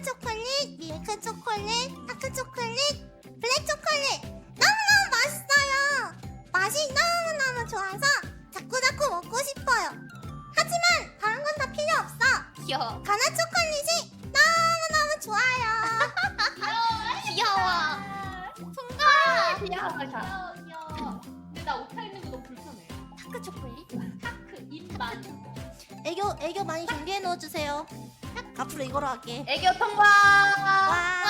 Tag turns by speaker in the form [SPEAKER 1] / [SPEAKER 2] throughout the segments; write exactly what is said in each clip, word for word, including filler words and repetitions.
[SPEAKER 1] 다크 초콜릿, 밀크 초콜릿, 다크 초콜릿, 블랙 초콜릿 너무너무 맛있어요. 맛이 너무너무 좋아서 자꾸자꾸 먹고 싶어요. 하지만 다른 건 다 필요 없어.
[SPEAKER 2] 귀여워.
[SPEAKER 1] 가나 초콜릿이 너무너무 좋아요.
[SPEAKER 2] 귀여워.
[SPEAKER 3] 귀여워
[SPEAKER 2] 귀여워.
[SPEAKER 3] 귀여워 귀여워. 근데 나 오타 있는 거 너무 불편해.
[SPEAKER 2] 다크 초콜릿?
[SPEAKER 3] 타크 입만.
[SPEAKER 1] 애교 애교 많이 준비해 넣어주세요. 앞으로 이거로 할게.
[SPEAKER 3] 애교 통과.
[SPEAKER 1] 와.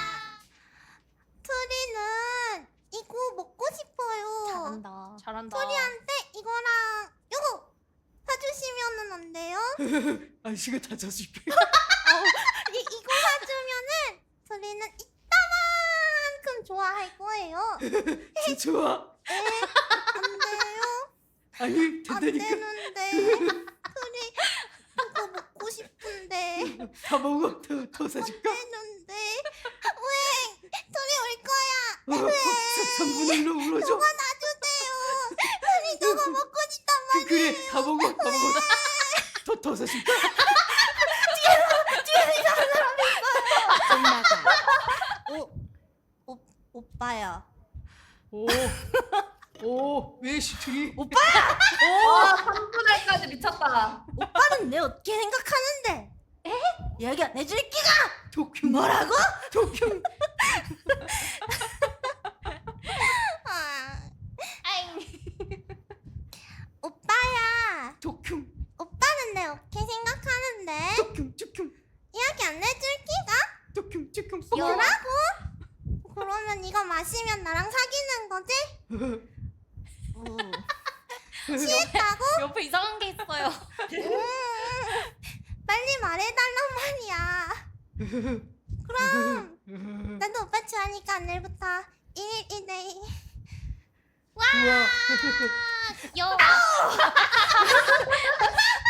[SPEAKER 1] 토리는 이거 먹고 싶어요.
[SPEAKER 2] 잘한다. 잘한다.
[SPEAKER 1] 토리한테 이거랑 요거 사주시면은 안 돼요?
[SPEAKER 4] 아저씨가 다 져줄게.
[SPEAKER 1] 이 이거 사주면은 토리는 이따만큼 좋아할 거예요.
[SPEAKER 4] 저 좋아.
[SPEAKER 1] 네, 안 돼요?
[SPEAKER 4] 아니
[SPEAKER 1] 안
[SPEAKER 4] 된다니까.
[SPEAKER 1] 되는데. 토리 이거 먹고 싶은데.
[SPEAKER 4] 다 먹어. 더, 더 사줄까?
[SPEAKER 1] 되는데. 왜? 토리 올 거야.
[SPEAKER 4] 어, 삼 분의 일로 울어줘.
[SPEAKER 1] 저거 놔주세요. 토리 저거 먹고 싶단
[SPEAKER 4] 그,
[SPEAKER 1] 말이에요.
[SPEAKER 4] 그래 다 먹어. 다 먹어. 더, 더 사줄까?
[SPEAKER 1] 엄마가. 오, 오, 오빠야.
[SPEAKER 4] 오. 오. 왜 시트리?
[SPEAKER 1] 오빠야.
[SPEAKER 3] 와 삼 분할까지 미쳤다.
[SPEAKER 1] 오빠는 내 어떻게 생각하는데? 에? 얘기 안 해줄 끼가?
[SPEAKER 4] 도쿄.
[SPEAKER 1] 뭐라고?
[SPEAKER 4] 도쿄.
[SPEAKER 1] 아,
[SPEAKER 2] 아잉.
[SPEAKER 1] 오빠야.
[SPEAKER 4] 도쿄.
[SPEAKER 1] 오빠는 내 어떻게 생각하는데?
[SPEAKER 4] 도쿄. 도쿄.
[SPEAKER 1] 이야기 안 해줄 끼가?
[SPEAKER 4] 도쿄. 도쿄.
[SPEAKER 1] 뭐라고? 그러면 이거 마시면 나랑 사귀는 거지? 취했다고?
[SPEAKER 2] 옆에 이상한 게 있어요.
[SPEAKER 1] 음, 빨리 말해달란 말이야. 그럼 나도 오빠 좋아하니까 오늘부터 일일 일데이.
[SPEAKER 4] 우와.
[SPEAKER 2] 귀여워.